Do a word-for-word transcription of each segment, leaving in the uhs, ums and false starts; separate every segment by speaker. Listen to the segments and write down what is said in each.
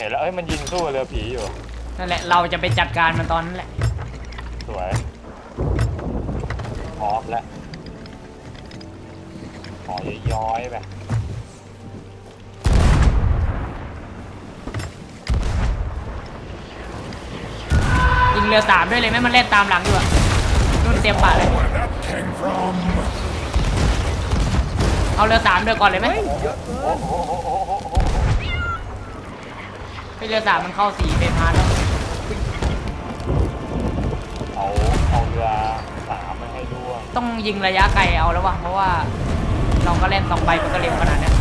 Speaker 1: ห็นแล้วเอ้ยมันยิงสู้เรือผีอยู่
Speaker 2: นั่นแหละเราจะไปจัดการมันตอนนั้นแหละ
Speaker 1: สวยพร้อมแล้วขอย้อยๆไป
Speaker 2: ยิงเรือสามด้วยเลยไหมมันเล่นตามหลังอยู่อะนุ่นเตรียมป่าเลยเอาเรือสามเรือก่อนเลยไหมให้เรือสามมันเข้าสี่เฟรมฮาร์ดแล้ว
Speaker 1: เอาเอาเรือสามมาให้ด้วย
Speaker 2: ต้องยิงระยะไกลเอาแล้ววะเพราะว่าเราก็เล่นสองใบมันก็เร็วขนาดนี้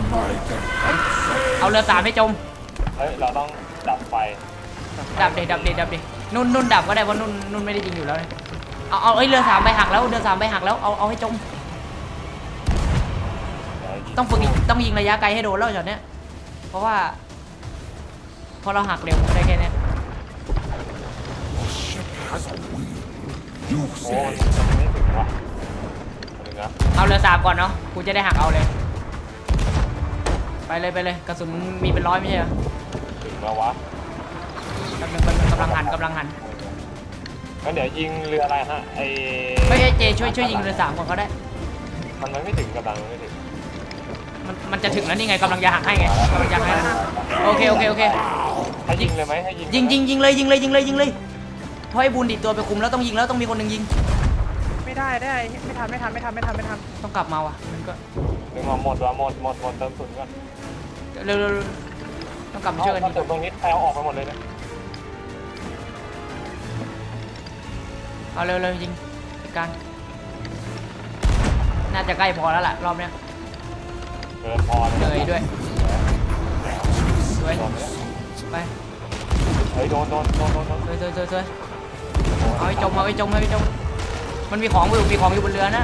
Speaker 2: เอาเรือสามให้จม
Speaker 1: เฮ้ยเราต้องดับไฟ
Speaker 2: ดับเด็ดดับเด็ดดับเด็ดนุ่นนุ่นดับก็ได้เพราะนุ่นนุ่นไม่ได้ยิงอยู่แล้วเอาเอาเอ้ยเรือสามไปหักแล้วเรือสามไปหักแล้วเอาเอาให้จมต้องฝึกต้องยิงระยะไกลให้โดนแล้วช็อตเนี้ยเพราะว่าพอเราหักเร็วได้แค่นี้
Speaker 1: โอ้ยไม่ถึงว่ะถึงนะ
Speaker 2: เอาเรือสามก่อนเนาะกูจะได้หักเอาเลยไปเลยไปเลยกระสุนมีเป็นร้อยไม่ใช่เหรอ
Speaker 1: ถึงแล้ววะ
Speaker 2: กำลังกำลังหันกำลังหัน
Speaker 1: งั้นเดี๋ยวยิงเรืออะไรฮะไอ
Speaker 2: ไม่เจช่วยช่วยยิงเรือสามก่อนก็ได้
Speaker 1: มันไม่ถึงกำลังไม่ถึง
Speaker 2: มันมันจะถึงแล้วนี่ไงกำลังจะหักให้ไงกำลังจะหักให้โอเคโอเคโอเค
Speaker 1: ให้ยิงเลยไหมให้ยิง
Speaker 2: ยิงยิงยิงเลยยิงเลยยิงเลยยิงเลยเพราะไอ้บูนดิดตัวไปคุมแล้วต้องยิงแล้วต้องมีคนหนึ่งยิง
Speaker 3: ไม่ได้ได้ไม่ทันไม่ทันไม่ทันไม่ทันไม่ทัน
Speaker 2: ต้องกลับมาว่ะมันก็
Speaker 1: ดึงมาหมดว่ะหมดหมดหมดเติมสุนก่อน
Speaker 2: เร็วๆต้องกลับมาช่วยกัน
Speaker 1: ตรงนี้แปลออกไปหมดเลยนะ
Speaker 2: เอาเร็วๆยิงจัดการน่าจะใกล้พอแล้วล่ะรอบเนี้ย
Speaker 1: เกินพอ
Speaker 2: เลยด้วยสวยไป
Speaker 1: เฮ้ยโดนโดนโดนโดน
Speaker 2: สวยสวยสวยสวยเอาไปจมเอาไปจมเอาไปจมมันมีของอยู่มีของอยู่บนเรือนะ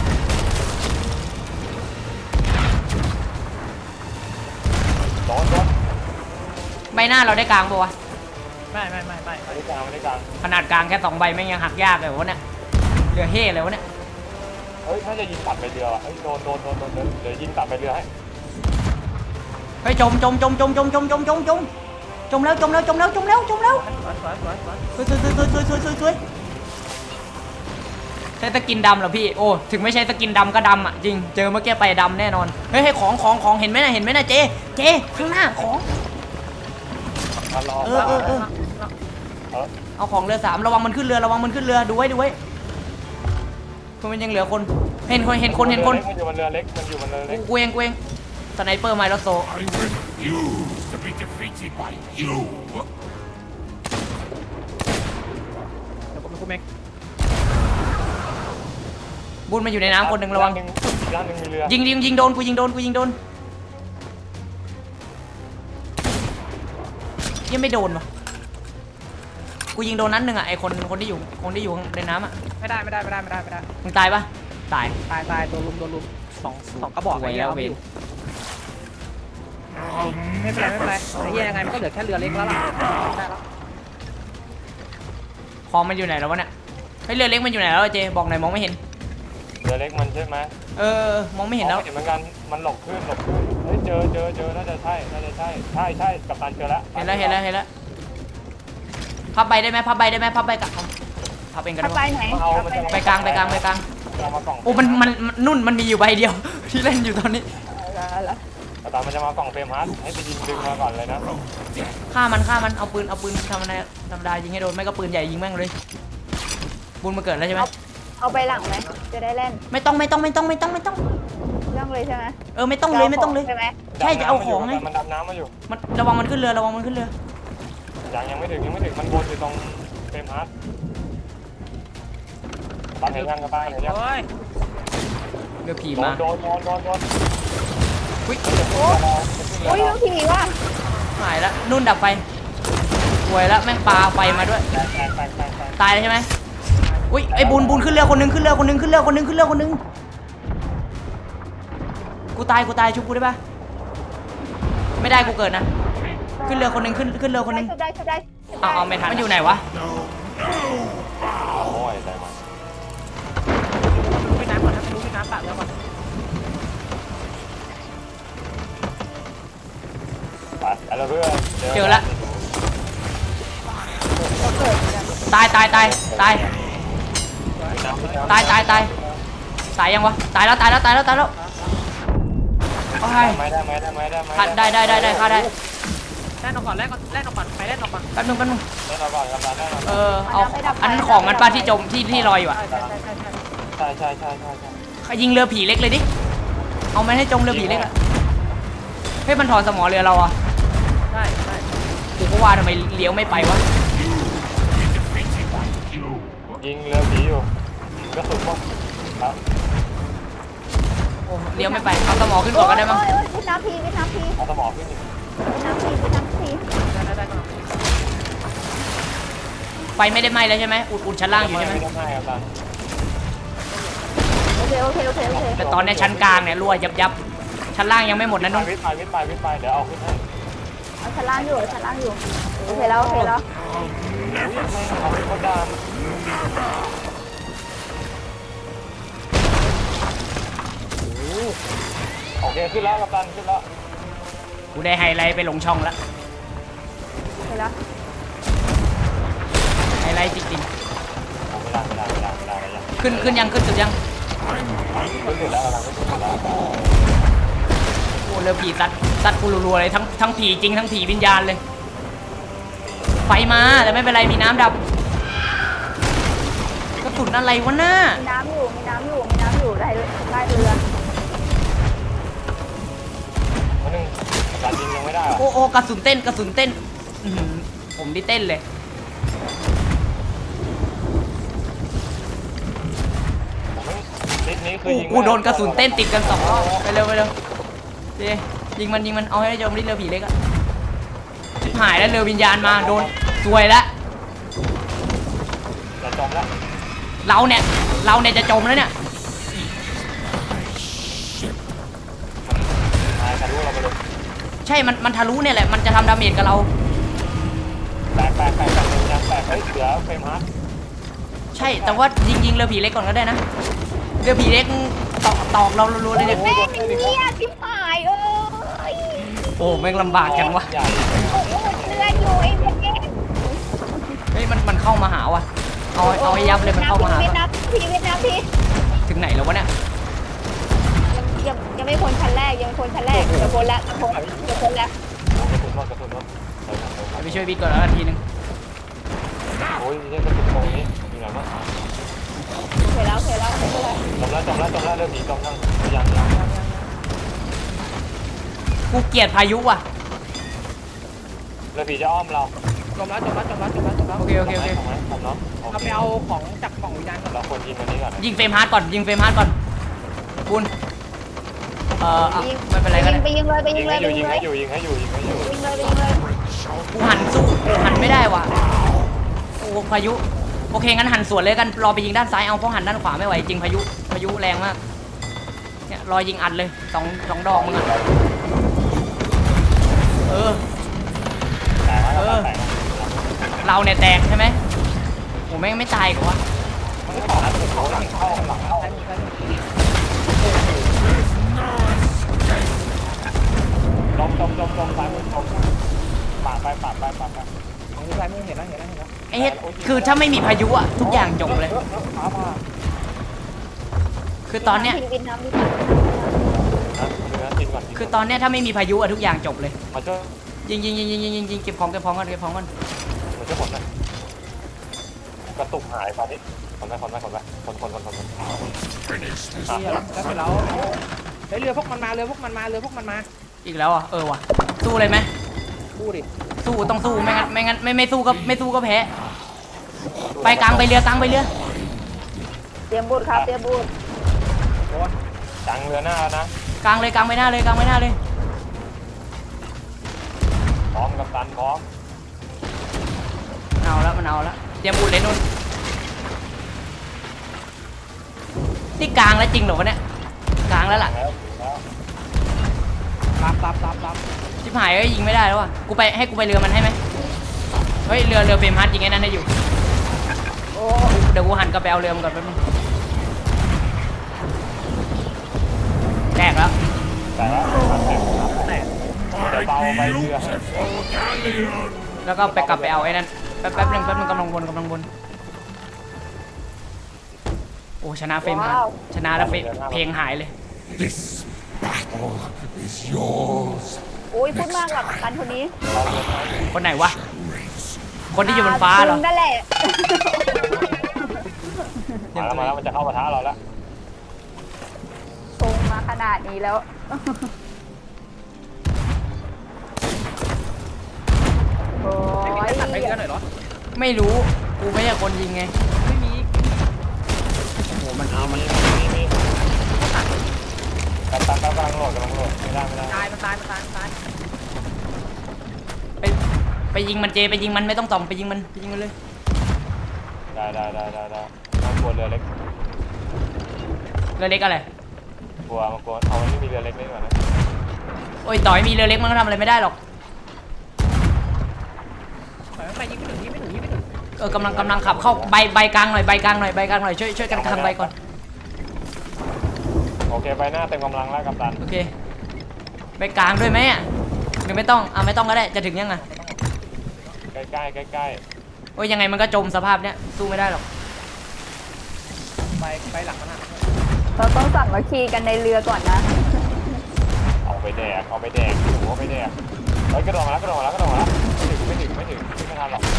Speaker 1: โดนโดน
Speaker 2: ใบหน้าเราได้กลางปะวะ
Speaker 3: ไม่ไม่ไม่ไม่
Speaker 1: ไม่ได้กลางไม่ได้กลาง
Speaker 2: ขนาดกลางแค่สองใบแม่งยังหักยากเลยวะเนี่ยเรือเฮ่เลยวะเนี่ย
Speaker 1: เฮ้ยถ้าจะยิงตัดไปเรือเฮ้ยโดนโดนโดนโดนเดี๋ยวยิงตัดไปเรือให้
Speaker 2: เฮ้ยจมจมจมจมจมจมจมจมจมจมแล้วจมแล้วจมแล้วจมแล้วจมแล้วสวยสวยสวยสวยสวยสวยสวยใช้สกินดำเหรอพี่โอ้ถึงไม่ใช่สกินดำก็ดำอ่ะจริงเจอเมื่อกี้ไปดำแน่นอนเฮ้ยให้ของของของเห็นไหมนะเห็นไหมนะเจเจข้างหน้าของเออเออเออเอาของเรือสามระวังมันขึ้นเรือระวังมันขึ้นเรือดูไว้ดูไว้เพราะมันยังเหลือคนเห็นคนเห็นคนเห็นคน
Speaker 1: มันอยู่บนเรือเล็กมันอยู่บนเรือเล็ก
Speaker 2: กูเองกูเองสไนเปอร์ไมล์โซบุญมันอยู่ในน้ำคนหนึ่งระวังยิงยิงยิงโดนกูยิงโดนกูยิงโดนยังไม่โดนวะกูยิงโดนนั้นหนึ่งอ่ะไอคนคนที่อยู่คนที่อยู่ในน้ำอ่ะ
Speaker 3: ไม่ได้ไม่ได้ไม่ได้ไม่ได้ไม่ได้
Speaker 2: มึงตายปะตาย
Speaker 3: ตายตายโดนลุมโดนลุมสองสองกระบอกไอ้แล้วเวนไม่เป็นไรไม่เป็นไรไอ้ยังไงมันก็เหลือแค่เรือเล็กแล้วล่ะได้แล้ว
Speaker 2: ของมันอยู่ไหนแล้ววะเนี่ยเฮ้ยเรือเล็กมันอยู่ไหนแล้วเจบอกหน่อยมองไม่เห็น
Speaker 1: เรือเล็กมันใช่ไหม
Speaker 2: เออมองไม่เห็นแล้ว
Speaker 1: เห็นเหมือนกันมันหลบขึ้นหลบขึ้นเฮ้ยเจอเจอเจอน่าจะใช่น่าจะใช่ใช่ใช่กัปตันเจอแล้ว
Speaker 2: เห็นแล้วเห็นแล้วเห็นแล้วพับใบได้ไหมพับใบได้ไหมพับใบกับพับเองกันได้
Speaker 4: ไหมไหน
Speaker 2: ไปกลางไปกลางไปกลางโอ้มันมันนุ่นมันมีอยู่ใบเดียวที่เล่นอยู่ตอนนี้
Speaker 1: กัปตันมันจะมากล่องเฟรมฮาร์ดให้ไปยิงดึงมาก่อนเลยนะ
Speaker 2: ฆ่ามันฆ่ามันเอาปืนเอาปืนทำอะไรธรรมดายิงให้โดนไม่ก็ปืนใหญ่ยิงแม่งเลยบุญมาเกิดแล้วใช่ไหม
Speaker 4: เอาไปหลังไหมจะได้เล่น
Speaker 2: ไม่ต้องไม่ต้องไม่ต้องไม่ต้องไม่ต้อง
Speaker 4: ต้องเลยใช่ไหม
Speaker 2: เออไม่ต้องเลยไม่ต้องเลย
Speaker 4: ใช่ไหม
Speaker 2: ใช่จะเอาของไง
Speaker 1: มันดำน้ำมาอยู่
Speaker 2: มันระวังมันขึ้นเรือระวังมันขึ้นเรือ
Speaker 1: ยังยังไม่ถึงยังไม่ถึงมันวนอยู่ตรงเฟรมฮาร์ดตามเห็นยังกับตาเห็นยัง
Speaker 2: เรือผีมา
Speaker 1: โดนโดนโดนโดน
Speaker 2: อุ้ย
Speaker 4: โอ้ยเรือผีว่ะ
Speaker 2: หายแล้วนุ่นดับไฟป่วยแล้วแม่งปลาไฟมาด้วยตายเลยใช่ไหมอุ้ยไอ้บุญบุญขึ้นเรือคนนึงขึ้นเรือคนนึงขึ้นเรือคนนึงขึ้นเรือคนนึงกูตายกูตายชุบกูได้ปะไม่ได้กูเกิดนะขึ้นเรือคนนึงขึ้นขึ้นเรือคนนึง
Speaker 4: ได้ได้
Speaker 2: เอาเอาไม่ทันมันอยู่ไหนวะ
Speaker 1: โอ้ยได้มา
Speaker 3: รู้ไปน้ำก่อนนะรู้ไปน้ำปากแล้วก่อน
Speaker 1: ไปแล้วเพื่อน
Speaker 2: เจอแล้วตายตายตายตายตายตายตายตายยังวะตายแล้วตายแล้วตายแล้วตายแล้วโอ้ย
Speaker 1: ไม่ได้ไม่ได้ไม่ได้ไม่
Speaker 2: ฆ่าได้ได้ได้ได้ฆ่าได้
Speaker 3: แล่นออกก่อนแล่นก่อนแล่นออกก่อนไปแล่นออกก่อน
Speaker 2: แป๊บนึงแป๊บนึง
Speaker 1: ได้เราก่อนกับเราได้เรา
Speaker 2: เออเอาอันนั้นของมันป้าที่จมที่ที่ลอยอยู่อ่ะ
Speaker 3: ใช่ใช่ใช่ใช่
Speaker 1: ใช่ใช่ใช่ใช่ใช่
Speaker 2: เขายิงเรือผีเล็กเลยดิเอามันให้จมเรือผีเล็กอะเฮ้ยมันถอนสมอเรือเราอ่ะ
Speaker 3: ใช่ใช่
Speaker 2: กูก็ว่าทำไมเลี้ยวไม่ไปวะ
Speaker 1: ยิงเรือผีอยู่กระสุนพวกครับ
Speaker 2: โอ้เลี้ยวไม่ไปเอาสมอขึ้นก่อนก็ได้มั้ง
Speaker 4: โอ้ยโอ้ยวิทน้ำพีวิทน้ำพี
Speaker 1: เอาสมองขึ้นดิ
Speaker 4: วิทน้ำพีวิทน้ำพี
Speaker 3: ได้ได้ได้ก่อน
Speaker 2: ไฟไม่ได้ไหม้แล้วใช่ไหมอุดอุดชั้นล่างอยู่ใช่ไหม
Speaker 1: ไม่ได้ครับตา
Speaker 4: โอเคโอเคโอเคโอเค
Speaker 2: แต่ตอนเนี้ยชั้นกลางเนี่ยรั่วยับยับชั้นล่างยังไม่หมดนะ
Speaker 1: วิ
Speaker 2: นุ่
Speaker 1: ท
Speaker 2: น
Speaker 1: ย์ไปวิทย์ไปวิทย์ไปวิทย์ไปเดี๋ยวเอาขึ้นให้
Speaker 4: เอาชั้นล่างอยู่เอาชั้นล่างอยู่โอเคแล้วโอเคแล้ว
Speaker 1: อุ้ยไม่เอาขึ้นก็ดามโอเคขึ้นแล้วกับตันขึ้นแล้ว
Speaker 2: กูได้ไฮไลท์ไปลงช่องแล้ว
Speaker 4: โอเคแล้ว
Speaker 2: ไฮไลท์จริง
Speaker 1: ไม่ได้ไม่ได้ไม่ได้ไม่ได้ไม่ได้
Speaker 2: ๆขึ้นขึ้นยังขึ้นสุดยัง
Speaker 1: ขึ้นสุดแล้วกำลังขึ้นสุดแล้ว
Speaker 2: โอ้เรือผีซัดซัดกูรัวๆเลยทั้งทั้งผีจริงทั้งผีวิญญาณเลยไฟมาแต่ไม่เป็นไรมีน้ำดับกระสุนอะไรวะหน้า
Speaker 4: มีน้ำอยู่มีน้ำอยู่มีน้ำอยู่ได้ได้เรือ
Speaker 1: วันหนึ่งการยิงยังไม่ได้
Speaker 2: โอ้โอ้กระสุนเต้นกระสุนเต้นอื้อหือผมดิเต้นเลย
Speaker 1: ทิศนี้คื
Speaker 2: กู
Speaker 1: อยิง
Speaker 2: กูโดนกระสุนเต้นติดกันสองรอบไปเร็วไปเร็วเจยิงมันยิงมันเอาให้ได้จมที่เรือผีเล็กอะชิบหายแล้วเรือวิญญาณมาโดนซวยแล้ว
Speaker 1: จะจมแล้ว
Speaker 2: เราเนี่ยเราเนี่ยจะจมแล้วเนี่ย
Speaker 1: ตายทะลุเราไปเลย
Speaker 2: ใช่มันมันทะลุเนี่ยแหละมันจะทำดาเมจกับเรา
Speaker 1: แตกแตกแตกแตกเลยนะแตกเฮ้ยเสือเฟรมฮาร์ด
Speaker 2: ใช่แต่ว่ายิงยิงเรือผีเล็กก่อนก็ได้นะเรือผีเล็กตอกตอกเรารัวๆเลยเนี่ย
Speaker 4: แม่งเนี่ยชิบหายเอ้ย
Speaker 2: โอ้แม่งลำบากจังวะ
Speaker 1: ใหญ่
Speaker 4: เรืออยู่ไอ้เด็ก
Speaker 2: เฮ้ยมันมันเข้ามาหาว่ะเอาเอาให้ยับเลยมันเข้ามาหา
Speaker 4: เวียดนามพีเวียดนามพี
Speaker 2: ถึงไหนแล้ววะเนี่ย
Speaker 4: ยังยังไม่พ้นชั้นแรกยังไม่พ้นชั้นแรกจะพ้นแล้วจะพ้นจะพ้นแล้ว
Speaker 1: กระสุนรถกระสุนรถ
Speaker 2: ไปช่วยบิ๊กก่อนแล้วนาทีนึง
Speaker 1: โอ้ยนี่กระสุนตรงนี้อยู่ไหนวะ
Speaker 4: โอเคแล้วโอเคแล้วโอเคแล้ว
Speaker 1: จมแล้วจมแล้วจมแล้วเริ่มหนีจมยังยังยัง
Speaker 2: กูเกลียดพายุว่ะ
Speaker 1: เรือผีจะอ้อมเรา
Speaker 3: จมแล้วจมแล้วจมแล้วจมแล้วจมแล้ว
Speaker 2: โอเคโอเคโอเค
Speaker 1: ทำไหมทำเนาะ
Speaker 3: เราไปเอาของจากกล่องวิญญาณก่อน
Speaker 1: เราควรยิงวันนี้ก่อน
Speaker 2: ยิงเฟรมฮาร์ดก่อนยิงเฟรมฮาร์ดก่อนคุณเอ่ออ่ะไม่เป็นไรก็ได้
Speaker 4: ไปยิงเลยไปยิ
Speaker 1: ยิ
Speaker 4: ง
Speaker 1: ง
Speaker 4: เล
Speaker 1: ให้
Speaker 4: ย
Speaker 1: อ
Speaker 4: ไป
Speaker 1: ยู่
Speaker 4: ยิ
Speaker 1: ยิ
Speaker 4: ง
Speaker 1: ง
Speaker 4: เล
Speaker 1: ให้
Speaker 4: ย
Speaker 1: อยู่ยิงให้อยู่ยิงให้อยู่
Speaker 4: ยิงเลยไปยิงเลย
Speaker 2: กูหันสู้หันไม่ได้ว่ะโอ้พายุโอเคงั้นหันสวนเลยกันรอไปยิงด้านซ้ายเอาเพราะหันด้านขวาไม่ไหวจริงพายุพายุแรงมากเนี่ยรอยิงอัดเลยสองสองดอกมึงอะเออ
Speaker 1: แตกแล้วแตก
Speaker 2: เราเนี่ยแตกใช่ไหมโอ้แม่งไม่ตายกว่าวะ
Speaker 1: มันก็ต่อนะสุดโหลังเข้าหลังเข้า
Speaker 3: ใช้มือใช้มือ
Speaker 1: จมจมจมจมซ้ายมือจมปาดไปปาดไปปาดไป
Speaker 3: ของมือใช้มือเห็นแล้วเห็นแล้วเห็นแล้ว
Speaker 2: ไอ้เฮ็ดคือถ้าไม่มีพายุอะทุกอย่างจบเลย
Speaker 1: ฟ้าผ่า
Speaker 2: คือตอนเนี้ย
Speaker 4: วินน้ำวิน
Speaker 1: นะเนื้อกินก่อน
Speaker 2: คือตอนเนี้ยถ้าไม่มีพายุอะทุกอย่างจบเลย
Speaker 1: มาช่วย
Speaker 2: ยิงยิงยิงยิงยิงยิงยิงเก็บของเก็บของก่อนเก็บของก่อน
Speaker 1: มาช่วยผมหน่อยกระตุกหายตอนนี้คนไปคนไปคนไปคนคนคนคนคน
Speaker 3: นี่แล้วแล้วเสร็จแล้วเฮ้ยเรือพวกมันมาเรือพวกมันมาเรือพวกมันมา
Speaker 2: อีกแล้วอ่ะเออว่ะสู้เลยไหม
Speaker 3: พูดดิ
Speaker 2: สู้ต้องสู้ไม่งั้นไม่งั้นไม่ไม่สู้ก็ไม่สู้ก็แพ้ไปกลางไปเรือกลางไปเรือ
Speaker 4: เตรียมบูทครับเตรียมบูท
Speaker 3: โดน
Speaker 1: จังเรือหน้าแล้วนะ
Speaker 2: กลางเลยกลางไปหน้าเลยกลางไปหน้าเลย
Speaker 1: พร้อมกับตันพร้อม
Speaker 2: เอาละมันเอาละเตรียมบุญเลยนุ่นนี่กลางแล้วจริงเหรอวะเนี่ยกลางแล้วล่ะ
Speaker 1: แล้วแล้ว
Speaker 3: รับรับรับรับ
Speaker 2: ชิบหายก็ยิงไม่ได้แล้วอ่ะกูไปให้กูไปเรือมันให้ไหมเฮ้ยเรือเรือเฟรมฮาร์ดยิงไอ้นั่นได้อยู่
Speaker 3: โอ้
Speaker 2: เดี๋ยวกูหันกลับไปเอาเรือมันก่อนแป๊บนึงแตกแล้ว
Speaker 1: แต่แล้วแตก
Speaker 3: แตก
Speaker 1: เดี๋ยวเบาไปเรือ
Speaker 2: แล้วก็ไปกลับไปเอาไอ้นั่นแป๊บแป๊บนึงแป๊บนึงกำลังวนกำลังวนโอ้ชนะเฟรมครับชนะแล้วเฟรมเพลงหายเลย
Speaker 5: This battle is yours.
Speaker 4: อุ้ยพูดมากกับกันคนนี้
Speaker 2: คนไหนวะคนที่อยู่บนฟ้าเหรอ
Speaker 4: คุณนั่นแหละ
Speaker 1: มาแล้วมาแล้วมันจะเข้าปะทะเราแล้ว
Speaker 4: ชงมาขนาดนี้แล้วโอ้ย
Speaker 3: ตัดไปเรือหน่อยเหรอ
Speaker 2: ไม่รู้กูไม่ใช่คนยิงไง
Speaker 3: ไม่มี
Speaker 2: โอ้โหมันเอามัน
Speaker 1: มีมีมีกัปตันกำลังโหลดกำลังโหลดไม่ได้ไม่ได้
Speaker 3: ตายมันตายมันตายมันตาย
Speaker 2: ไปไปยิงมันเจไปยิงมันไม่ต้องต่อมไปยิงมันไปยิงมันเลย
Speaker 1: ได้ได้ได้ได้ได้มันกลัวเรือเล็ก
Speaker 2: เรือเล็กอะไร
Speaker 1: กลัวมันกลัวเอามันไม่มีเรือเล็กได้ก่อนนะ
Speaker 2: โอ้ยต่อยมีเรือเล็กมันก็ทำอะไรไม่ได้หรอก
Speaker 3: ถอยไปยิงไม่ถึงยิงไม่ถึงยิงไม่ถึง
Speaker 2: เออกำลังกำลังขับเข้าใบใบกลางหน่อยใบกลางหน่อยใบกลางหน่อยช่วยช่วยกันกลางใบก่อน
Speaker 1: โอเคไปหน้าเต็มกำลังแล้วกัปตัน
Speaker 2: โอเคใบกลางด้วยไหมอ่ะหรือไม่ต้องอ่ะไม่ต้องก็ได้จะถึงยังไง
Speaker 1: ใกล้ใกล้ใกล้ใกล้
Speaker 2: โอ้ยยังไงมันก็จมสภาพเนี้ยสู้ไม่ได้หรอก
Speaker 3: ไปไปหลังมันอ่ะ
Speaker 4: เราต้องสั่งมาคีกันในเรือก่อนนะ
Speaker 1: เอาไปแดกเอาไปแดกหัวไปแดกเฮ้ยกระโดดมาแล้วกระโดดมาแล้วกระโดดมาแล้วไม่ถึงไม่ถึงไม่ถึงไม่ทันหรอก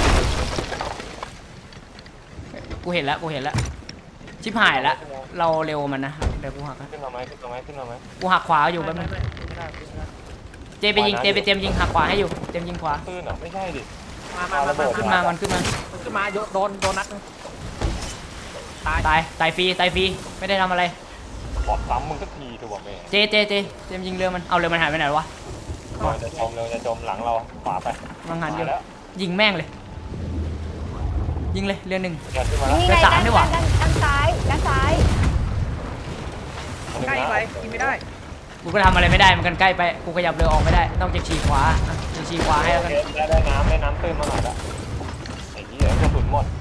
Speaker 2: กูเห็นแล้วกูเห็นแล้วชิบหายแล้วเราเร็วกว่ามันนะเดี๋ยวกูหักนะ
Speaker 1: ขึ้นมาไหมขึ้นมาไหมขึ้นมาไหม
Speaker 2: กูหักขวาอยู่แป๊บนึง
Speaker 3: ไม่ได้ไม่ได้
Speaker 2: เจไปยิงเจไปเตรียมยิงหักขวาให้อยู่เตรียมยิงขวา
Speaker 1: ตื้นเหรอไม่ใช่ดิ
Speaker 3: มามามา
Speaker 2: ขึ้นมามันขึ้นมา
Speaker 3: ขึ้นมาโดนโดนนัดตาย
Speaker 2: ตายตายฟรีตายฟรีไม่ได้ทำอะไร
Speaker 1: ขอซ้ำมึงสักทีถูกบอกแม่
Speaker 2: เจเจเจเตรียมยิงเรือมันเอาเรือมันหายไปไหนวะ
Speaker 1: เราจะจมเราจะจมหลังเราขวาไป
Speaker 2: มังหันอยู่
Speaker 1: มาแล้ว
Speaker 2: ยิงแม่งเลย ยิงเลยเรือหนึ่ง
Speaker 1: เกิดขึ้นมาแล้ว
Speaker 4: นี่
Speaker 2: เรือ
Speaker 4: ไง
Speaker 2: สาม
Speaker 4: ด้าน
Speaker 2: ดีกว่า
Speaker 4: ด้านด้านซ้ายด้านซ้าย
Speaker 3: ใกล้ไปยิงไม่ได้
Speaker 2: กูก็ทำอะไรไม่ได้มันกันใกล้ไปกูขยับเรือออกไม่ได้ต้องจะฉีกขวาอ่ะจะฉีกขวาให้แล้วกัน
Speaker 1: ได้ได้น้ำได้น้ำตื้นมาหน่อยละไอ้เหี้ยกระสุนหมด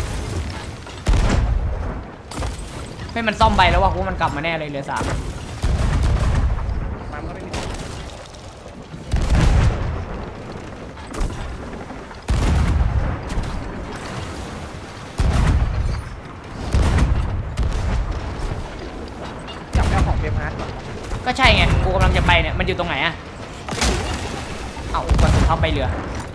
Speaker 2: ให้มันซ่อมใบแล้วว่ากูมันกลับมาแน่เลยเรือสาม
Speaker 3: มันก็ไม่มีจับแก้วของเบมฮาร์ดก่อน
Speaker 2: ก็ใช่ไงกูกำลังจะไปเนี่ยมันอยู่ตรงไหนอะเอ้ากระสุนเข้าไปเรือ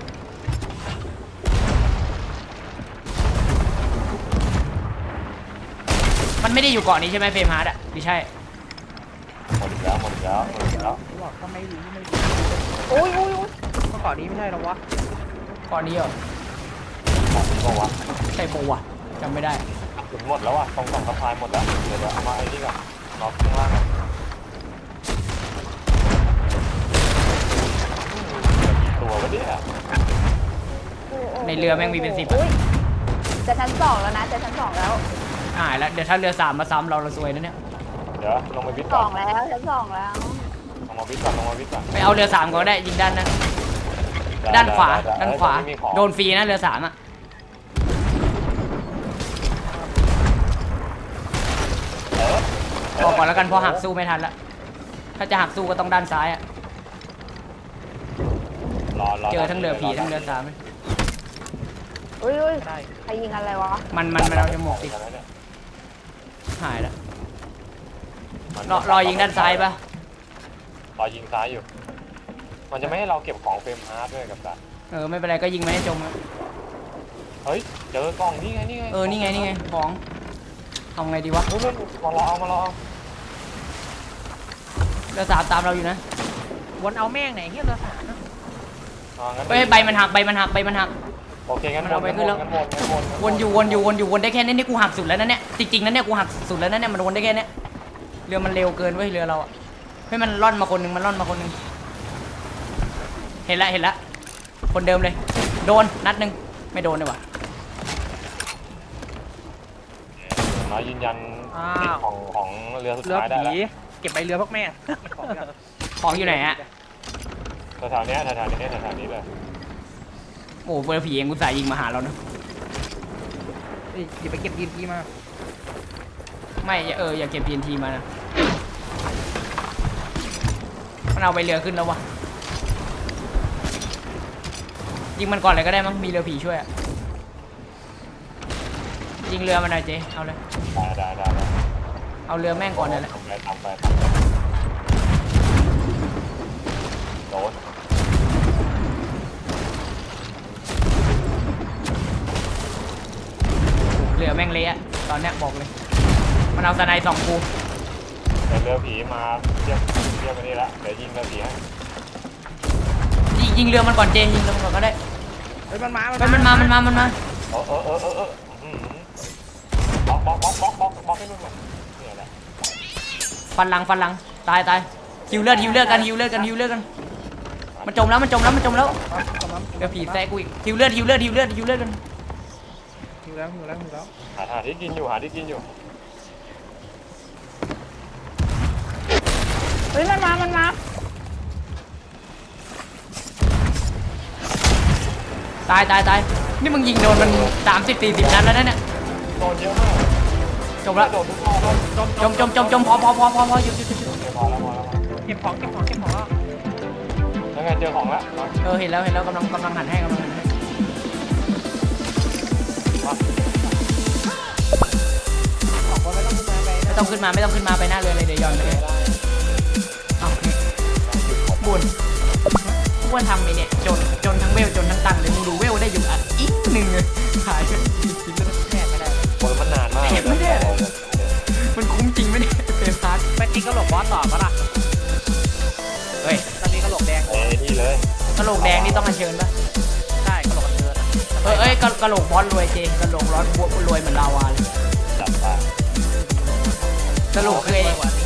Speaker 2: มันไม่ได้อยู่เกาะนี้ใช่ไหมเฟรมฮาร์ดอะไม่ใช่
Speaker 1: หมดอีกแล้วหมดอีกแล้วหมดอีกแล้ว
Speaker 3: กูบอกก็ไม่รู้ไม่รู้
Speaker 4: อุ้ยอุ้ยอุ้ย
Speaker 3: เมื่อก่อนนี้ไม่ใช่หรอวะ
Speaker 2: เกาะนี้เหรอ
Speaker 1: ของก็วะ
Speaker 2: ใช่ปะวะจำไม่ได้
Speaker 1: กระสุนหมดแล้วอ่ะตรงสองสะพายหมดแล้วเดี๋ยวเดี๋ยวเอามาไอ้นี่ก่อนน็อกข้างล่างก่อนตัววะเนี่ย
Speaker 2: ในเรือแม่งมีเป็นสิบอะ
Speaker 4: อุ้ยจะชั้นสองแล้วนะจะชั้นสองแล้ว
Speaker 2: หายแล้วเดี๋ยวถ้าเรือสามมาซ้ำเราเราซวยนะเนี่ย
Speaker 1: เดี๋ยวลงไปวิทย์
Speaker 4: ส
Speaker 1: ก่อ
Speaker 4: อน งแล้วชั้นสองแล้ว
Speaker 1: ลงมาวิทย์ก่อนลงมาวิทย์ก่อน
Speaker 2: ไปเอาเรือสามก่อนก็ได้ยิงด้านนั้นด้านขวาด้านขวาโดนฟรีนะเรือสามอะพอก่อนแล้วกันเพอหักสู้ไม่ทันละถ้าจะหักสู้ก็ต้องด้านซ้ายอะ
Speaker 1: รอรอ
Speaker 2: เจอทั้งเรือผีทั้งเรือสามเลย
Speaker 4: อุ้ยอุ้ย
Speaker 3: ได้
Speaker 4: ใครยิงอะไรวะ
Speaker 2: มันมันมันเอาจมูกติดหายแล้วรอรอยิงด้านซ้ายปะ
Speaker 1: รอยิงซ้ายอยู่ มันจะไม่ให้เราเก็บของเฟรมฮาร์ดด้วยกับกัน
Speaker 2: เออไม่เป็นไรก็ยิงไม่ให้จมอะ
Speaker 1: เฮ้ยเจอกล่องนี่ไงนี่ไง
Speaker 2: เออนี่ไงนี่ไงของทำไงดีวะ
Speaker 1: เฮ้ยมารอเอามารอเอา
Speaker 2: เรือสามตามเราอยู่นะ
Speaker 3: วนเอาแม่งไหนเฮียเรือสามนะ
Speaker 1: อ่างั้น
Speaker 2: เฮ้ยใบมันหักใบมันหักใบมันหัก
Speaker 1: โอเคงั้น
Speaker 2: มันเอาไปขึ้นแล้ว
Speaker 1: งั้นวนงั้นวนงั้
Speaker 2: วนอยู่วนอยู่วนอยู่วนได้แค่นี้นี่กูหักสุดแล้วนะเนี่ยจริงๆนะเนี่ยกูหักสุดแล้วนะเนี่ยมันวนได้แค่เนี้ยเรือมันเร็วเกินเว้ยเรือเราอะเฮ้ยมันล่อนมาคนหนึงมันล่อนมาคนหนึงเห็นละเห็นละคนเดิมเลยโดนนัดหนึงไม่โดนเลยว่ะ
Speaker 1: น้อยยืนยันสิทธิ์ของของเรือสุด
Speaker 3: เรือ
Speaker 1: ท้ายได้
Speaker 3: ผี
Speaker 1: แล้ว
Speaker 3: เก็บใบเรือพวกแม่ของกัน
Speaker 2: ของอยู่ไหนอะ
Speaker 1: แถวๆเนี้ยแถวๆนี้แถวๆนี้เลย
Speaker 2: โอ้เรือผีเองกูสายยิงมาหาเรานะ
Speaker 3: เฮ้ยอย่าไปเก็บยีนทีมา
Speaker 2: ไม่อย่าเอออย่าเก็บ ที เอ็น ที มานะมันเอาไปเรือขึ้นแล้ววะยิงมันก่อนเลยก็ได้มั้งมีเรือผีช่วยอะยิงเรือมันหน่อยเจ๊เอาเลย
Speaker 1: ได้ได้ได้ได้
Speaker 2: เอาเรือแม่งก่อนเลยแหละ
Speaker 1: ทำไปทำไปทำไปโดน
Speaker 2: เรือแม่งเละอะตอนเนี้ยบอกเลยมันเอาสไนด์สองกู
Speaker 1: เดี๋ยวเรือผีมาเทียบเทียบไปนี่ละเดี๋ยวยิงเรือผีให้
Speaker 2: ยิงยิงเรือมันก่อนเจยิงเรือมันก่อนก็ได้
Speaker 3: เฮ้ยมันมา
Speaker 2: ไปมันมามันมามันมา
Speaker 1: เออเออเออเออเอออืมบล็อกบล็อกบล็อกบล็อกบล็อกบล็อกให้นุ่นหน่อยเนี่ยแหละ
Speaker 2: ฟันหลังฟันหลังตายตายฮิวเลือดฮิวเลือดกันฮิวเลือดกันฮิวเลือดกันมันจมแล้วมันจมแล้วมันจมแล้วเดี๋ยวผีแทรกกูอีกฮิวเลือดฮิวเลือดฮิวเลือดฮิวเลือดกัน
Speaker 3: หิวแล้วหิวแล้วหิวแล้ว
Speaker 1: หาหาที่กินอยู่หาที่กินอยู่
Speaker 4: เฮ้ยมันมามันมา
Speaker 2: ตายตายตายนี่มึงยิงโดนมันสามสิบสี่สิบนัดแล้วนะเนี่ย
Speaker 1: โดนเยอะมาก
Speaker 2: จมแล้ว
Speaker 1: โดนทุกรอบแล้ว
Speaker 2: จมจมจมจมพอพอพอพอพอหยุดหยุดหยุดหยุด
Speaker 1: เดี๋ยวพอแล้วพอแล้วพอแล้ว
Speaker 3: เก็บของเก็บของเก็บของแล้ว
Speaker 1: ยังไงเจอของแล้วมา
Speaker 2: เออเห็นแล้วเห็นแล้วกำลังกำลังหันให้กำลังหันให้
Speaker 1: มา
Speaker 3: ของก็ไม่ต้องขึ้นมาไป
Speaker 2: ไม่ต้องขึ้นมาไม่ต้องขึ้นมาไปหน้าเรือเลยเดี๋ยวย้อนไปเลยเอานี่บุญอ้วนทำไอ้เนี่ยจนจนทั้งเวลจนทั้งตังค์เลยมึงดูเวลได้อยู่อ่ะอีกหนึ่งเลยขายจริงๆแล้วแทบไม่ได้
Speaker 1: โอ้ยมันนานมาก
Speaker 2: เห็นไม่ได้ มันคุ้มจริงไหมเนี่ยเฟรมพาร์ท
Speaker 3: ไปตีกระโหลกบอสต่อปะล่ะ
Speaker 2: เฮ้ย
Speaker 3: ตอนนี้กระโหลกแดง
Speaker 1: เอ้ยนี่เลย
Speaker 2: กระโหลกแดงนี่ต้องอัญเชิญปะ
Speaker 3: ใช่กระโหลกกันเชิญ
Speaker 2: เอ้ยเอ้ยกระกระโหลกบอสรวยเจกระโหลกร้อนบวรวยเหมือนลาวาเลย
Speaker 1: จับไป
Speaker 2: สรุปคือไอ้